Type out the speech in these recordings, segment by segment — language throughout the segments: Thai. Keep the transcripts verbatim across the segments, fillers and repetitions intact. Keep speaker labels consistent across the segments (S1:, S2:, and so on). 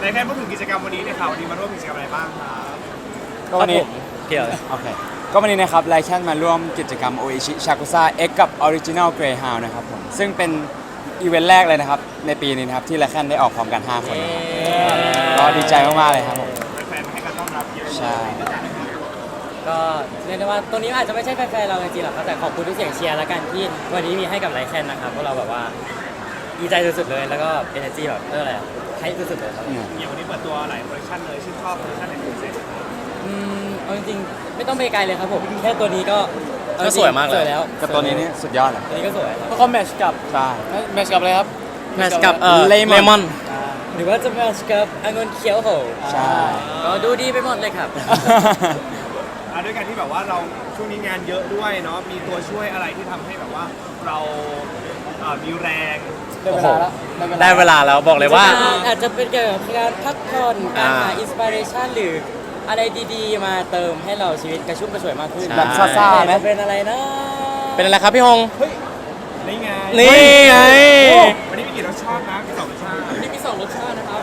S1: ในแค่พูดถึงกิจกรรมวันนี้เนี่ยค่ะวันนี้มาร่วมกิจกรรมอะไรบ้างครับ
S2: ก็วันนี้
S3: เกี่ยว
S2: โอเคก็วันนี้นะครับไลแคนมาร่วมกิจกรรมโออิชิชากุซ่าเอ็กกับออริจินัลเกรย์ฮาวนะครับผมซึ่งเป็นอีเวนต์แรกเลยนะครับในปีนี้นะครับที่ไลแคนได้ออกพร้อมกันห้าคนก็ดีใจมากๆเลยครับผม
S1: แฟนๆให้การต้อนรับเยอะ
S2: ใช่
S3: ก็เรียกได้ว่าตัวนี้อาจจะไม่ใช่แฟนๆเราจริงๆหรอกครับแต่ขอบคุณทุกเสียงเชียร์แล้วกันที่วันนี้มีให้กับไลแคนนะครับเพราะเราแบบว่าดีใจสุดๆเลยแล้วก็เอเนอร์จีแบบเอออะไรให้สุดๆเลยครับ
S1: อย่างวันนี้เปิดตัวหลายโปรดักชั่นเลยชื่นชอบโปรดักชั่นไหนเป็นพิเศษ
S3: อืมเอาจริงๆไม่ต้องไปไกลเลยครับผมแค่ตัวนี้ก็
S4: ก็สวยมากเลย
S3: สวยแล้ว
S2: กับตัวนี้นี่สุดยอดเลย
S3: ตัวนี้ก็สวยครับ
S5: แล้วก็แมทช์กับ
S2: ใช่
S5: แมทช์กับอะไรครับ
S4: แมทช์กับเอ่อเลมอน
S3: หรือว่าจะแมทช์กับองุ่นเขียวโห
S2: ใช่
S3: ก็ดูดีไปหมดเลยครับ
S1: ด้วยกันที่แบบว่าเราช่วงนี้งานเยอะด้วยเนาะมีตัวช่วยอะไรที่ทำให้แบบว่าเรามีแรง
S5: ได้เวลาแล้ว
S4: ได้เวลาแล้วบอกเลยว่า
S3: อาจจะเป็นเกี่ยวกับการพักผ่อนการหาอินสปิเรชันหรืออะไรดีๆมาเติมให้เราชีวิตกระชุ่มกระชวยมากขึ้น
S2: แบบซ่าๆไหม
S3: เป็นอะไรนะ
S4: เป็นอะไรครับพี่ฮง
S1: เฮ้ยนี่ไง
S4: นี่ไง
S1: วันนี้มีกี่รสชาตินะมีสองรสชาติ
S3: วันนี้มีสองรสชาตินะครับ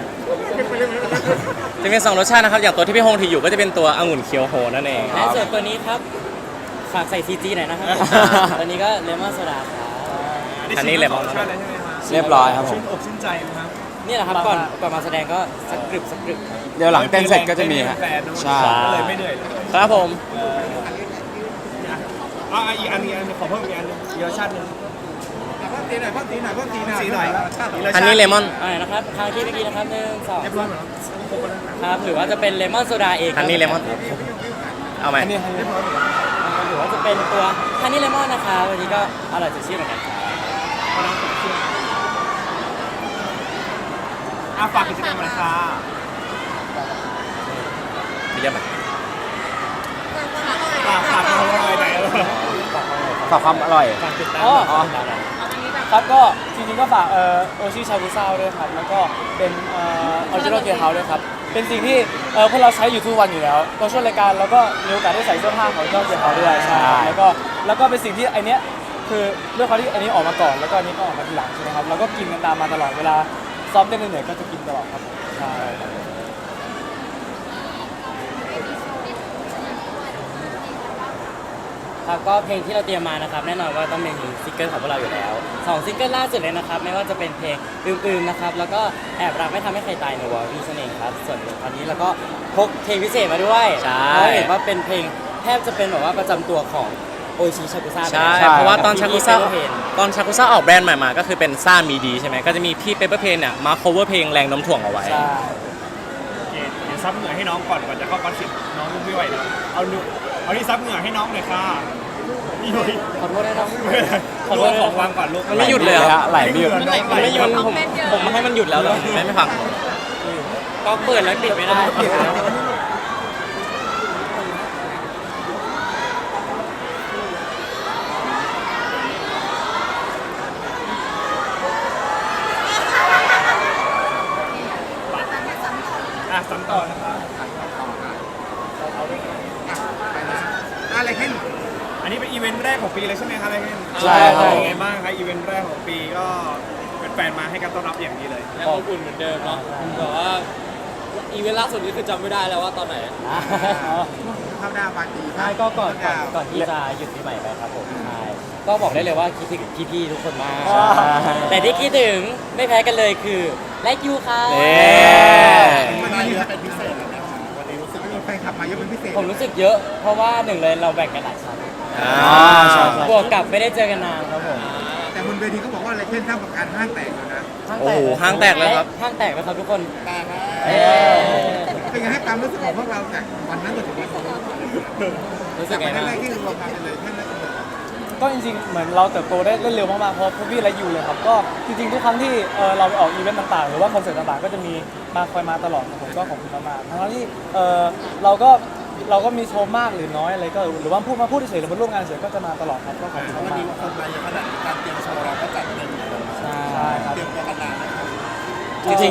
S4: จะมีสองรสชาตินะครับอย่างตัวที่พี่ฮงถืออยู่ก็จะเป็นตัวองุ่นเคียวโฮนั่นเอง
S3: และส่วนตัวนี้ครับฝากใส่ซีจีหน่อยนะครับตัวนี้ก็เลมอนโซดาครับ
S4: อันนี้เลมอน
S2: เรียบร้อยครับผม
S1: ชื่นอกชื่นใจนะครับ
S3: นี่แหละครับก่อนก่อนมาแสดงก็สักกรึบสักกรึบ
S2: เดี๋ยวหลังเต้นเสร็จก็จะมีฮะ
S1: ใช่ก็เลยไม่เหนื่อยเลย
S4: ครับผม
S1: อ่ะอีกอันนี้อันขอเพิ่มอีกอันนึงเยอะชาตินึงเพิ่มตีหน่อยเพิ่มตีหน่อยเพิ่มตีหน่อยตีหน่อย
S4: อันนี้เลมอน
S3: อะไรนะครับทางที่เมื่อกี้นะครับหนึ่งสองครับหรือว่าจะเป็นเลมอนโซดาเอง
S4: อันนี้เลมอนเอาไหม
S3: หรือว่าจะเป็นตัวฮันนี่เลมอนนะคะวันนี้ก็อร่อยสดชื่นเหมือนกันครับ
S1: อาฝากกิจกรรมอะไรคะ
S4: มีเรื่องไหม
S1: ฝากฝากความอร่อยไหน
S2: ฝากความอร่อย
S5: อ๋อครับก็จริงๆก็ฝากเอ่อโอชิชากุซ่าด้วยครับแล้วก็เป็นเอ่อออริจินอลเกียร์เฮาส์ด้วยครับเป็นสิ่งที่เอ่อพวกเราใช้อยู่ทุกวันอยู่แล้วตอนช่วงรายการเราก็มีโอกาสได้ใส่เสื้อผ้าของออริจินอลเกียร์เฮาส์ด้วยใช่แล้วก็แล้วก็เป็นสิ่งที่ไอเนี้ยคือด้วยความที่อันนี้ออกมาก่อนแล้วก็อันนี้ก็ออกมาทีหลังใช่ไหมครับเราก็กินกันตามมาตลอดเวลาซ้อมเต้นเหนื่อยๆก็จะกินตลอดครับใช่
S3: ครับก็เพลงที่เราเตรียมมานะครับแน่นอนว่าต้องเป็นซิงเกิลของพวกเราอยู่แล้วสองซิงเกิลล่าสุดเลยนะครับไม่ว่าจะเป็นเพลงอื่นๆนะครับแล้วก็แอบรักไม่ทำให้ใครตายในวอร์วีสเองครับส่วนตอนนี้เราก็พกเพลงพิเศษมาด้วย
S4: ใช่
S3: เพราะเห็นว่าเป็นเพลงแทบจะเป็นแบบว่าประจำตัวของโอชิชากุซ่า
S4: ใช่เพราะว่าตอนชากุซ่าตอนชากุซ่าออกแบรนด์ใหม่มาก็คือเป็นซ่ามีดีใช่ไหมก็จะมีพี่เปเปอร์เพนเนี่ยมา cover เพลงแรงน้ำถ่วงเอาไว้
S1: โอเคเดี๋ยวซับเหงื่อให้น้องก่อนก่อนจะเข้าคอนเสิร์ตน้องไม่ไหวแล้วเอาหนูเอาที่ซับเหงื่อให้น้องหน่อยค่ะนี่เลย
S3: ขอโทษนะน้อง
S1: ขอโทษของวางก่อนลูก
S4: มันไม่หยุดเลยอะ
S2: ไหลไม่หยุด
S4: มันไม่หยุดผมผมไม่ให้มันหยุดแล้วเลยไม่ไม่ฟัง
S3: ก็เปิดแล้วปิดไม่ได้
S1: อ่ะซ้ำต่อนะครับอะไรขึ้นอันนี้เป็นอีเวนต์แรกของปีเลยใช่ไหมครับอะไรขึ้น
S2: ใช่ครับ
S1: เป็นไงบ้างครับอีเวนต์แรกของปีก็เป็นแฟนมาให้การต้อนรับอย่างดีเลย
S5: ยังอบอุ่นเหมือนเดิมเนาะแต่ว่าอีเวนต์ล่าสุดนี้คือจำไม่ได้แล้วว่าตอนไหน
S1: เข้าดาวปาร์ตี้
S3: ใช่ก็ก่อนก่อนที่จะหยุดปีใหม่ไปครับผมใช่ก็บอกได้เลยว่าคิดถึงพี่ๆทุกคนมากแต่ที่คิดถึงไม่แพ้กันเลยคือไลค์ยูค่ะ
S1: วันนี้เป็นพิเศษนะวันนี้รู้สึกมีแฟนคลับมาเยอะเป็นพิเศษ
S3: ผมรู้สึกเยอะเพราะว่าหนึ่งเลยเราแบ่งกันหลายชั้นบวกกับไม่ได้เจอกันนานครับผม
S1: แต่บนเวทีเขาบอกว่าอะไรเช่นท่ามกลางห้างแตกเลยนะ
S4: โอ้โหห้างแตกเลยครับ
S3: ห้างแตกแล้วครับทุกคน
S1: เป็นไงให้ความรู้สึกของพวกเราจากวันนั้นจนถึงวันนี้
S3: รู้สึกไงบ้าง
S1: ที่รวมกันเลยท่านนั้น
S5: ก็จริงๆเหมือนเราเติบโตได้เร็วมากๆเพราะพวกพี่และยูเลยครับก็จริงๆทุกครั้งที่เราไปออกอีเวนต์ต่างๆหรือว่าคอนเสิร์ตต่างๆก็จะมีมาคอยมาตลอดผมก็ขอบคุณมากๆทั้งที่เราก็เราก็มีโชว์มากหรือน้อยอะไรก็หรือว่าพูดมาพูดเฉยๆหรือมาร่วมงานเฉยก็จะมาตลอดครับก็ขอบคุณมากวันนี้
S1: คนมาเยอะขนาดการเตรียมโชว์เราก็จัดเต็มใช่ครับเตรียมตัวกันนาน
S4: จริงๆ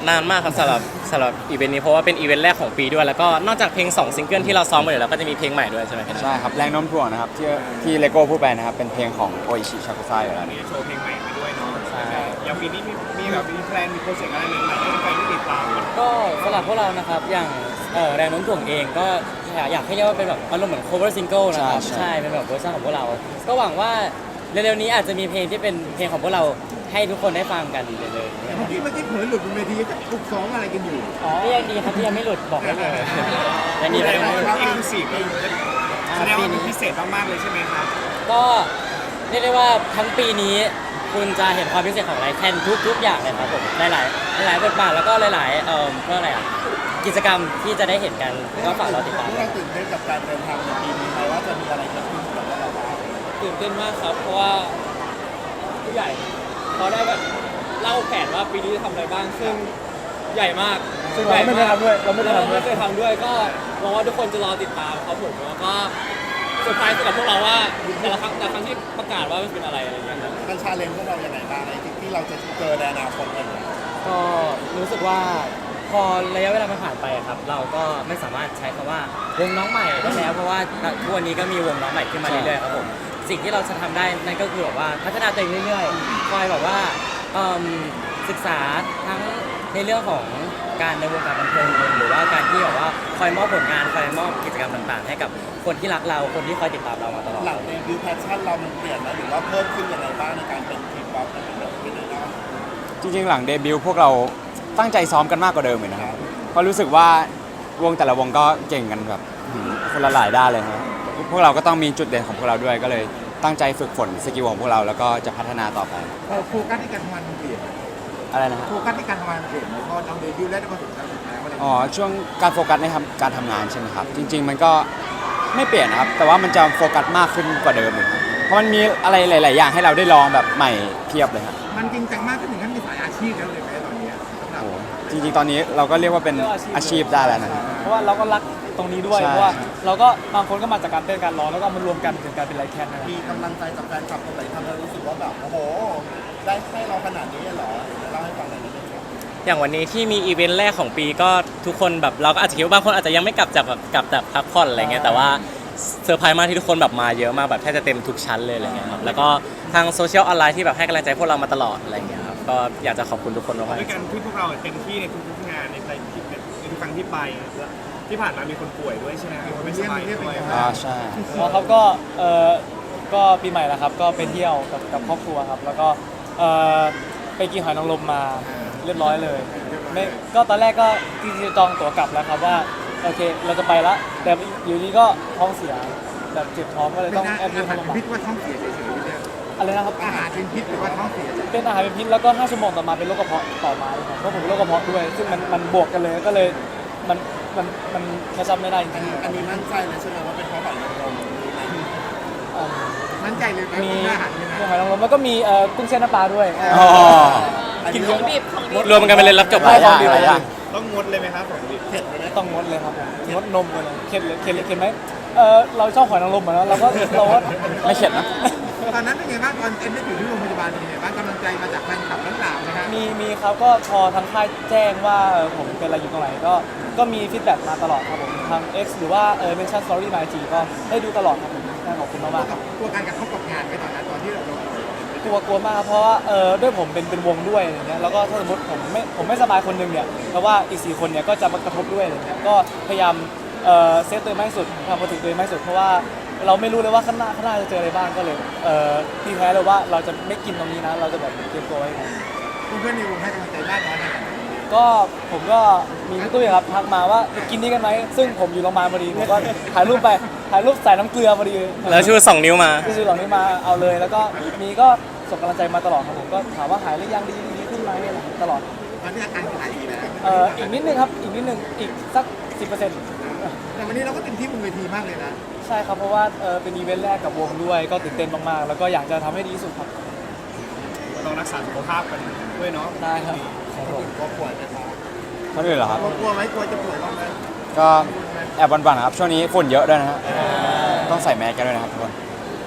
S4: นานมากครับสำหรับสำหรับอีเวนต์นี้เพราะว่าเป็นอีเวนต์แรกของปีด้วยแล้วก็นอกจากเพลงสองซิงเกิลที่เราซ้อมมาอยู่แล้วก็จะมีเพลงใหม่ด้วยใช่ไหมครับ
S2: ใช่ครับแรงโน้มถ่วงนะครับที่ที่เลโก้พูดไปนะครับเป็นเพลงของโออิชิชากุซ่าอยู่แล้ว
S1: มีโชว์เพลงใหม่มาด้วยเนาะ
S3: ใช่
S1: อย่างปีนี้มีมีแบบมีแพลนมีโปรเจกต์อะไรใหม่ๆให้แฟนๆได้ติดตามกัน
S3: ก็สำหรับพวกเรานะครับอย่างเอ่อแรงโน้มถ่วงเองก็อยากอยากให้เรียกว่าเป็นแบบอารมณ์เหมือน cover single นะครับ
S2: ใช่ใช่
S3: ใช่เป็นแบบเวอร์ชันของพวกเรา ก็หวังว่าเร็วๆนี้อาจจะมีเพลงที่เป็นเพลงของพวกเราให้ทุกคนได้ฟังกันเลย
S6: เมื่อกี้เมื่อกี้เผยหลุดบนเวทีจะปลุกซ้อมอะไรกันอยู่
S3: อ๋อยังดีครับที่ยังไม่หลุดบอกได้เลยยังดี
S1: แส
S3: ครับ
S1: ดง
S3: ยัง
S1: ว่า
S3: ไม่หลุด
S1: เอ็กซ์คลูซีฟแสดงว่ามันพิเศษมากๆเลยใช่ไหมครับ
S3: ก็เรียกได้ว่าทั้งปีนี้คุณจะเห็นความพิเศษของไลฟ์แคนทุกๆอย่างเลยครับผมหลายๆหลายๆบทบาทแล้วก็หลายๆเอ่อเพื่ออะไรอ่ะกิจกรรมที่จะได้เห็นกันก็ฝากเราติดตาม
S6: เราตื่นเต้นกับการเดินทางในปีนี้ไหมว่าจะมีอะไรเกิดขึ้นกับเราบ้าง
S5: ตื่นเต้นมากครับ เพราะว่าผู้ใหญ่เขาได้แบบเล่าแผนว่าปีนี้จะทำอะไรบ้าง ซึ่งใหญ่มากซึ่งเราไม่เคยทำด้วยเราไม่เคยทำด้วยไม่เคยทำด้วย ก็หวังว่าทุกคนจะรอติดตามครับผมแล้วก็เซอร์ไพรส์สำหรับพวกเราว่าแต่ละครั้งแต่ละครั้งที่ประกาศว่ามันเป็นอะไรอะไรอย่างเงี้ยครับ
S6: มันชาเลนจ์พวกเราอย่างไรบ้างในที่ที่เราจะเจอในอนาคตอะไรอย่างเงี้ย
S3: ก็รู้สึกว่าพอระยะเวลามันผ่านไปอะครับ เราก็ไม่สามารถใช้คำว่าวงน้องใหม่ได้แล้วเพราะว่าทุกวันนี้ก็มีวงน้องใหม่ขึ้นมาเรื่อยๆครับผมสิ่งที่เราจะทำได้นั่นก็คือแบบว่าพัฒนาตัวเองเรื่อยๆคอยแบบว่าเอิ่มศึกษาทั้งในเรื่องของการในวงการบันเทิงเองหรือว่าการที่แบบว่าคอยมอบผลงานคอยมอบกิจกรรมต่างๆ ให้กับคนที่รักเราคนที่คอยติดตามเรามาตลอด
S6: หลังเดบิวต์แพชชั่นเรามันเปลี่ยนไหมหรือว่าเพิ่มขึ้นอย่างไรบ้างในการเป็นทีมป๊อปเป็นแบบเป็นอะไรนะ
S2: จริงๆ หลังเดบิวต์พวกเราตั้งใจซ้อมกันมากกว่าเดิมเลยนะครับเพราะรู้สึกว่าวงแต่ละวงก็เก่งกันแบบหืมคนละหลายด้านเลยนะพวกเราก็ต้องมีจุดเด่นของพวกเราด้วย ก็เลยตั้งใจฝึกฝนสกิลของพวกเราแล้วก็จะพัฒนาต่อไป
S6: พอโฟกัสที่การทำงานมันเปลี่ยน
S2: อะไรนะฮะ
S6: โฟกัสที่การทำงานมันเปลี่ยนไหมพอเราเดบิวต์แล้วก็ถึงการสุดท้ายอะไรอย่าง
S2: อ๋อ
S6: เงี้ย
S2: ช่วงการโฟกัสในทำการทำงานใช่ไหมครับ จริง ๆ มันก็ไม่เปลี่ยนนะครับ แต่ว่ามันจะโฟกัสมากขึ้นกว่าเดิมอีกครับเพราะมันมีอะไรหลาย ๆ อย่างให้เราได้ลองแบบใหม่เพียบเลยครับ
S6: มันจริงจังมากขึ้นถึงขั้นมีสายอาชีพแล้วเลยไหมตอนเนี้ยสำหรับ
S2: โอ้โหจริง ๆ ตอนนี้เราก็เรียกว่าเป็นอาชีพได้แล้วนะครับ
S5: เพราะว่าเราก็รักตรงนี้ด้วย
S2: ใช่
S5: เพราะว่าเราก็บางคนก็มาจากการเต้นการร้องแล้วก็มารวมกันถึงการเป็นไลฟ์แคนนะครับ
S6: มีกำลังใจจากแฟนคลับคนไหนทำให้รู้สึกว่าแบบโอ้โหได้ให้เราขนาดนี้เลยเหรอเล่าให้ฟังหน่อยได้ไหมครับ
S4: อย่างวันนี้ที่มีอีเวนต์แรกของปีก็ทุกคนแบบเราก็อาจจะคิดว่าบางคนอาจจะยังไม่กลับจากแบบกลับจากพักผ่อนอะไรเงี้ยแต่ว่าเซอร์ไพรส์มากที่ทุกคนแบบมาเยอะมากแบบแทบจะเต็มทุกชั้นเลยอะไรเงี้ยครับแล้วก็ทางโซเชียลออนไลน์ที่แบบให้กำลังใจพวกเรามาตลอดอะไรเงี้ยครับก็อยากจะขอบคุณทุกคนมาก
S1: ด้วยการที่พวกเราเต็มที่ในทุกๆงานในไปในทุกครั้งที่ไปที่ผ่านมามีคนป่วยด้วยใช่ไหมมีคนไม่สบายด้วย
S2: อ่าใช่
S5: อ๋อครับก็เออก็ปีใหม่แล้วครับก็ไปเที่ยวกับกับครอบครัวครับแล้วก็เออไปกินหอยนางรมมาเรียบร้อยเลยไม่ก็ตอนแรกก็จริงๆจองตั๋วกลับแล้วครับว่าโอเคเราจะไปละแต่อยู่ดีก็ท้องเสียแบบเจ็บท้องก็เลย
S6: เป็น
S5: ต้อง
S6: อา
S5: แอดมิท
S6: หาร
S5: เข้าโรงพยาบา
S6: พิษ
S5: ล
S6: ว่าท้องเสียเฉยๆเนี่ย
S5: อะไรนะครับ
S6: อาหารเป็นพิษหรือว่าท้องเสีย
S5: เป็นอาหารเป็นพิษแล้วก็ห้าชั่วโมงต่อมาเป็นโรคกระเพาะต่อมาเลยครับเพราะผมเป็นโรคกระเพาะด้วย ซึ่งมันมันบวกกันเลยก็เลยมันมันมันกระชับไม่ได้จ
S6: อัน
S5: ริง
S6: นี้อันนี้มั่นใจเลยใช่ไหมว่าเป็นเพราะหอยนางรมหรืออะไร
S5: ๆเอิ่ม
S6: มั่นใจเลยไหม
S5: มี
S6: ว่าอาหารนี่นะ
S5: มีหอยนางรมแล้วก็มีเอ่อกุ้งเส้นน้ำปลาด้วย
S2: อ๋อ
S6: กินเยอะมาก
S4: ๆรวมกันไปเลยรับจบ
S2: หลายอย่างหลายอย่าง
S1: ต้องงดเลยไหมครับผมดิ
S6: เผ็ดเลยไหม
S5: ต้องงดเลยครับผมงดนมเลยเค็ดเลยเค็ดเลยเค็ดไหมเออเราชอบหอยนางรมเหมือนกันเราก็เราก็
S2: ไม่เข็ดนะ
S6: ตอนนั้นเป็นไงบ้างตอนเอ็นได้อยู่ที่โรงพยาบาลเป็นไงบ้างกำลังใจมาจากแฟนคลับทั้งหลายนะฮะ
S5: มีมีครับก็พอทางค่ายแจ้งว่าเอ่อผมเป็นอะไรอยู่ตรงไหนก็ก็มีฟีดแบ็กมาตลอดครับผมทาง X หรือว่าเออเมนชั่นสตอรี่มาจีก็ได้ดูตลอดครับผมน่าขอบคุณมากๆครับ
S6: ตัวการกระทบกับงานไปตอนนั้นตอนที่เรา
S5: กลัวกลัวมากครับเพราะว่าเออด้วยผมเป็นเป็นวงด้วยอย่างเงี้ยแล้วก็ถ้าสมมติผมไม่ผมไม่สบายคนหนึงเนี่ยเพราะว่าอีกสี่คนเนี่ยก็จะมากระทบด้วยอะไรเงี้ยก็พยายามเอ่อเซฟตัวเองมากที่สุดทำมาถึงตัวเองมากที่สุดเพราะว่าเราไม่รู้เลยว่าข้างหน้าข้างหน้าจะเจออะไรบ้างก็เลยเอ่อพี่แพ้เลยว่าเราจะไม่กินตรงนี้นะเราจะแบบเตรียมตัวไว้ก่อน
S6: เพื่อนๆในวงให้กำลังใจบ้านน้อยขนาดไหน
S5: ก็ผมก็มีพี่ตุ้ยครับทักมาว่าไปกินนี่กันไหมซึ่งผมอยู่โรงพยาบาลพอดีผมก็ถ่ายรูปไปถ่ายรูปใส่น้ำเกลือพอดี
S4: แล้วชูสองนิ้วมา
S5: ที่ซื้อเหล่านี้มาเอาเลย แล้วก็มีก็ส่งกำลังใจมาตลอดครับผมก็ถามว่าหายหรือยังดีดีขึ้นไหมอะไรอย่างเงี้ยตลอด
S6: ตอนนี้อาการเป็นไงดีแล้ว
S5: เอ่ออีกนิดนึงครับอีกนิดนึงอีกสักสิบเปอร์เซ็นต์
S6: แต่วันนี้เราก็เต็มที่บนเวทีมากเลยนะ
S5: ใช่ครับเพราะว่าเออเป็นอีเวนต์แรกกับวงด้วยก็ตื่นเต้นมากๆแล้วก็อยากจะทำให้ดีที่สุดครับ
S1: ก็ต้องรักษาสุขภาพกันด้วยเนาะ
S5: ได้ครับ
S6: กลัวป่วยไหมครับ
S2: คนอื่นเหรอครับ
S6: กลัวไหมกลัวจะป่วยบ้างไหม
S2: ก็แอบบันๆนะครับ ช่วงนี้ฝุ่นเยอะด้วยนะฮะต้องใส่แมสกันด้วยนะครับทุกคน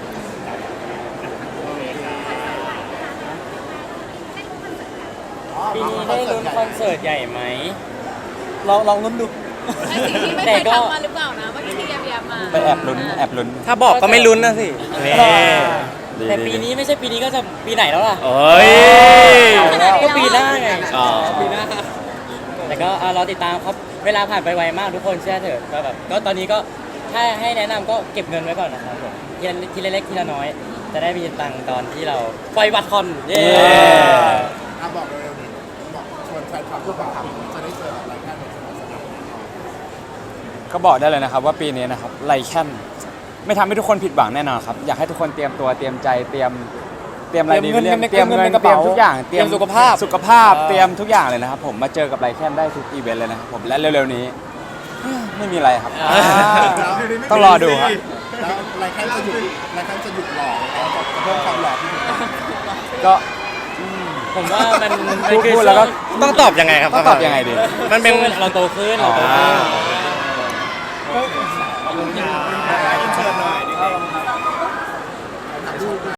S6: อ๋อ
S3: ปีนี้ได้ลุ้นคอนเสิร์ตใหญ่ไหม
S5: ลองลองลุ้นดู
S7: ไอ้สิ่งที่ไม่
S3: แต่
S7: เคย
S3: ก็
S7: ทำมาหรือเปล่านะเมื่อกี้ที่แย้มๆมา
S2: ไปแอบลุ้นแอบลุ้น
S4: ถ้าบอกก็ไม่ลุ้นนะสินี่
S2: ดี
S3: แต่
S2: ดี
S3: ปี
S2: ดี
S3: นี้ไม่ใช่ปีนี้ก็จะปีไหนแล้วล่ะ
S4: โอ้ย
S3: ก็ปีหน้าไง
S4: อ๋อ
S3: ปีหน้าแต่ก็อ่ะรอติดตามครับเวลาผ่านไปไวมากทุกคนเชื่อเถอะก็แบบก็ตอนนี้ก็ถ้าให้แนะนำก็เก็บเงินไว้ก่อนนะครับผมทีละทีละเล็กทีละน้อย จะได้มีตังค์ตอนที่เราปล่อยบัตรคอนเย้
S6: อ่ะบอกเลยบอกชวนแฟนคลับทุกคนจะได้เจออะไรกันในสนามสนาม
S2: ก็บอกได้เลยนะครับว่าปีนี้นะครับไลแคนไม่ทำให้ทุกคนผิดหวังแน่นอนครับอยากให้ทุกคนเตรียมตัวเตรียมใจเตรียมเตรียมอะไรดี
S5: เตรียมเงิน
S2: เตรียม
S5: เตรี
S2: เงิ
S5: ยม
S2: น
S5: เงินในกระ
S2: เตรีย
S5: เป๋าม
S2: ทุกอย่าง
S5: เตรียมสุขภาพ
S2: สุขภาพ
S5: อ่า
S2: เตรียมทุกอย่างเลยนะครับผมมาเจอกับไลแคนได้ทุกอีเวนต์เลยนะครับผมและเร็วๆนี้ ไม่มีอะไรครับ ต้องรอดูครับ
S6: แล้วรายการจะหยุดรายการจะหยุดหล่อแล้วจะเพิ่มความหล่อที่ถูกต้อง
S2: ก็
S3: ผมว่ามันมัน
S2: พูด
S3: คือ
S2: พูดแล้วก็
S4: ต้องตอบยังไงครับ
S2: ต้องตอบยังไงดี
S4: มันเป็น
S3: เราโตขึ้นเราโตขึ้น